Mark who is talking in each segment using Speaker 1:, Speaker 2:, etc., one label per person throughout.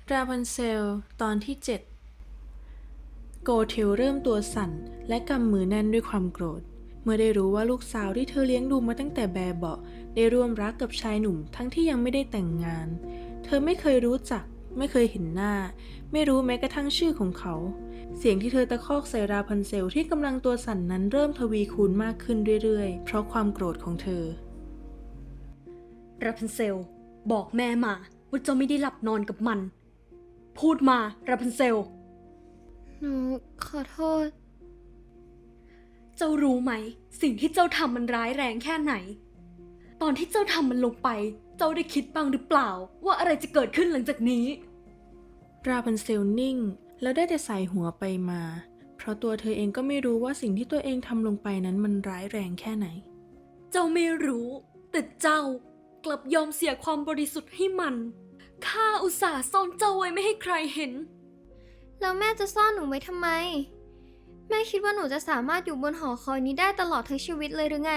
Speaker 1: ราพันเซลตอนที่ 7 โกเทลเริ่มตัวสั่นและกำมือแน่นด้วยความโกรธเมื่อได้รู้ว่าลูกสาวที่เธอเลี้ยงดูมาตั้งแต่แบเบาะได้ร่วมรักกับชายหนุ่มทั้งที่ยังไม่ได้แต่งงานเธอไม่เคยรู้จักไม่เคยเห็นหน้าไม่รู้แม้กระทั่งชื่อของเขาเสียงที่เธอตะคอกใส่ราพันเซลที่กำลังตัวสั่นนั้นเริ่มทวีคูณมากขึ้นเรื่อยๆเพราะความโกรธของเธอ
Speaker 2: ราพันเซลบอกแม่มาว่าเจ้าไม่ได้หลับนอนกับมันพูดมาราพันเซล
Speaker 3: หนูขอโทษ
Speaker 2: เจ้ารู้ไหมสิ่งที่เจ้าทำมันร้ายแรงแค่ไหนตอนที่เจ้าทำมันลงไปเจ้าได้คิดบ้างหรือเปล่าว่าอะไรจะเกิดขึ้นหลังจากนี้
Speaker 1: ราพันเซลนิ่งแล้วได้แต่สายหัวไปมาเพราะตัวเธอเองก็ไม่รู้ว่าสิ่งที่ตัวเองทำลงไปนั้นมันร้ายแรงแค่ไหน
Speaker 2: เจ้าไม่รู้แต่เจ้ากลับยอมเสียความบริสุทธิ์ให้มันข้าอุตส่าห์ซ่อนเจ้าไว้ไม่ให้ใครเห็น
Speaker 3: แล้วแม่จะซ่อนหนูไว้ทำไม แม่คิดว่าหนูจะสามารถอยู่บนหอคอยนี้ได้ตลอดทั้งชีวิตเลยหรือไง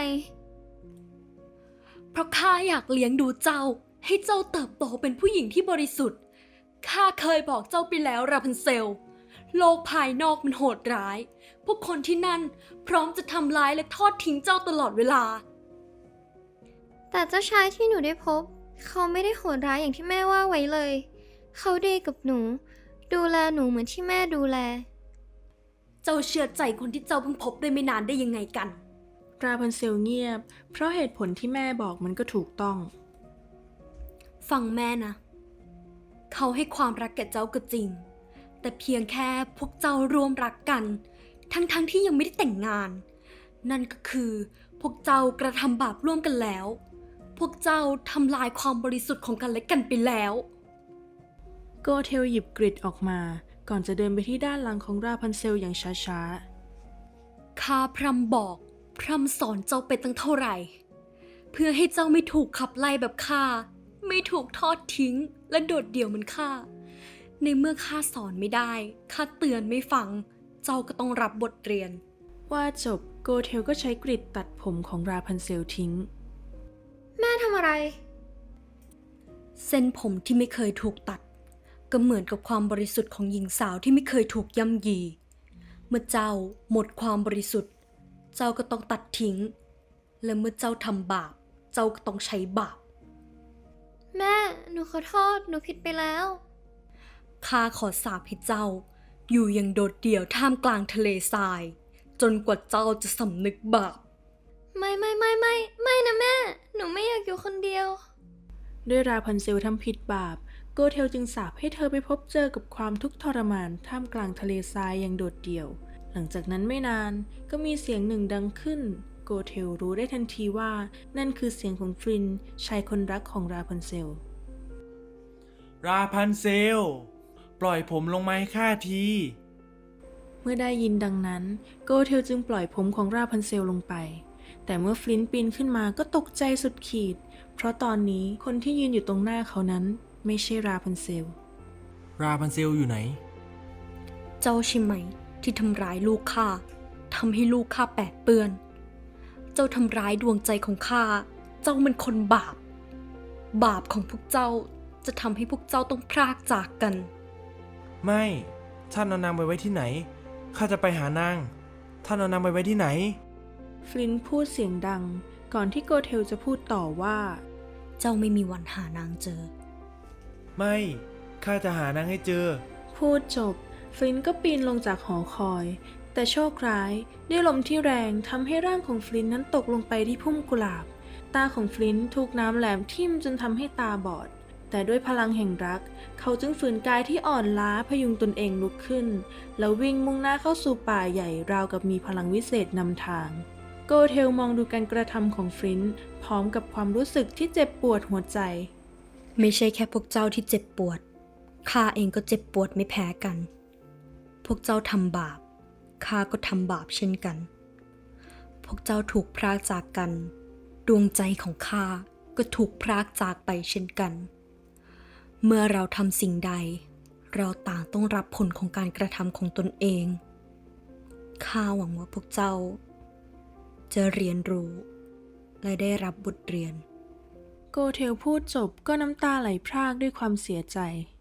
Speaker 2: เพราะข้าอยากเลี้ยงดูเจ้าให้เจ้าเติบโตเป็นผู้หญิงที่บริสุทธิ์ข้าเคยบอกเจ้าไปแล้วราพันเซลโลกภายนอกมันโหดร้ายพวกคนที่นั่นพร้อมจะทำร้ายและทอดทิ้งเจ้าตลอดเวลา
Speaker 3: แต่เจ้าชายที่หนูได้พบ เขาไม่ได้โหดร้ายอย่างที่แม่ว่าไว้เลย เขาดีกับหนู ดูแลหนูเหมือนที่แม่ดูแล
Speaker 2: เจ้าเชื่อใจคนที่เจ้าเพิ่งพบได้ไม่นานได้ยังไงกัน
Speaker 1: ราพันเซลเงียบเพราะเหตุผลที่แม่บอกมันก็ถูกต้อง
Speaker 2: ฟังแม่นะเขาให้ความรักแก่เจ้าก็จริงแต่เพียงแค่พวกเจ้าร่วมรักกันทั้งที่ยังไม่ได้แต่งงานนั่นก็คือพวกเจ้ากระทำบาปร่วมกันแล้วพวกเจ้าทำลายความบริสุทธิ์ของกันและกันไปแล้ว
Speaker 1: โกเทลหยิบกริดออกมาก่อนจะเดินไปที่ด้านหลังของราพันเซลอย่างช้า
Speaker 2: ข้าพร่ำบอกพร่ำสอนเจ้าไปตั้งเท่าไหร่เพื่อให้เจ้าไม่ถูกขับไล่แบบข้าไม่ถูกทอดทิ้งและโดดเดี่ยวเหมือนข้าในเมื่อข้าสอนไม่ได้ข้าเตือนไม่ฟังเจ้าก็ต้องรับบทเรียน
Speaker 1: ว่าจบโกเทลก็ใช้กริดตัดผมของราพันเซลทิ้ง
Speaker 3: แม่ทำอะไร
Speaker 2: เส้นผมที่ไม่เคยถูกตัดก็เหมือนกับความบริสุทธิ์ของหญิงสาวที่ไม่เคยถูกย่ำยีเมื่อเจ้าหมดความบริสุทธิ์เจ้าก็ต้องตัดทิ้งและเมื่อเจ้าทำบาปเจ้าก็ต้องใช้บาป
Speaker 3: แม่ หนูขอโทษ หนูผิดไปแล้ว
Speaker 2: ข้าขอสาปให้เจ้าอยู่อย่างโดดเดี่ยวท่ามกลางทะเลทรายจนกว่าเจ้าจะสำนึกบาป
Speaker 3: ไม่นะแม่ หนูไม่อยากอยู่คนเดียว
Speaker 1: ด้วยราพันเซลทำผิดบาปโกเทลจึงสาปให้เธอไปพบเจอกับความทุกข์ทรมานท่ามกลางทะเลทรายอย่างโดดเดี่ยวหลังจากนั้นไม่นานก็มีเสียงหนึ่งดังขึ้นโกเทลรู้ได้ทันทีว่านั่นคือเสียงของฟรินชายคนรักของราพันเซล
Speaker 4: ราพันเซลปล่อยผมลงมาให้ข้าที
Speaker 1: เมื่อได้ยินดังนั้นโกเทลจึงปล่อยผมของราพันเซลลงไปแต่เมื่อฟลินต์ปีนขึ้นมาก็ตกใจสุดขีดเพราะตอนนี้คนที่ยืนอยู่ตรงหน้าเขานั้นไม่ใช่ราพันเซล
Speaker 4: ราพันเซลอยู่ไหน
Speaker 2: เจ้าใช่ไหมที่ทำร้ายลูกข้าทำให้ลูกข้าแปดเปื้อนเจ้าทำร้ายดวงใจของข้าเจ้าเป็นคนบาปบาปของพวกเจ้าจะทำให้พวกเจ้าต้องพรากจากกัน
Speaker 4: ไม่ท่านเอานางไปไว้ที่ไหนข้าจะไปหานางท่านเอานางไปไว้ที่ไหน
Speaker 1: ฟลินต์พูดเสียงดังก่อนที่โกเทลจะพูดต่อว่า
Speaker 2: เจ้าไม่มีวันหานางเจอ
Speaker 4: ไม่ข้าจะหานางให้เจอ
Speaker 1: พูดจบฟลินต์ก็ปีนลงจากหอคอยแต่โชคร้ายด้วยลมที่แรงทำให้ร่างของฟลินต์นั้นตกลงไปที่พุ่มกุหลาบตาของฟลินต์ถูกน้ำแหลมทิ่มจนทำให้ตาบอดแต่ด้วยพลังแห่งรักเขาจึงฝืนกายที่อ่อนล้าพยุงตนเองลุกขึ้นแล้ววิ่งมุ่งหน้าเข้าสู่ป่าใหญ่ราวกับมีพลังวิเศษนำทางโกเทลมองดูการกระทำของฟลินต์พร้อมกับความรู้สึกที่เจ็บปวดหัวใจ
Speaker 2: ไม่ใช่แค่พวกเจ้าที่เจ็บปวดข้าเองก็เจ็บปวดไม่แพ้กันพวกเจ้าทำบาปข้าก็ทำบาปเช่นกันพวกเจ้าถูกพรากจากกันดวงใจของข้าก็ถูกพรากจากไปเช่นกันเมื่อเราทำสิ่งใดเราต่างต้องรับผลของการกระทำของตนเองข้าหวังว่าพวกเจ้าจะเรียนรู้และได้รับบทเรียน
Speaker 1: โกเทลพูดจบก็น้ำตาไหลพรากด้วยความเสียใจ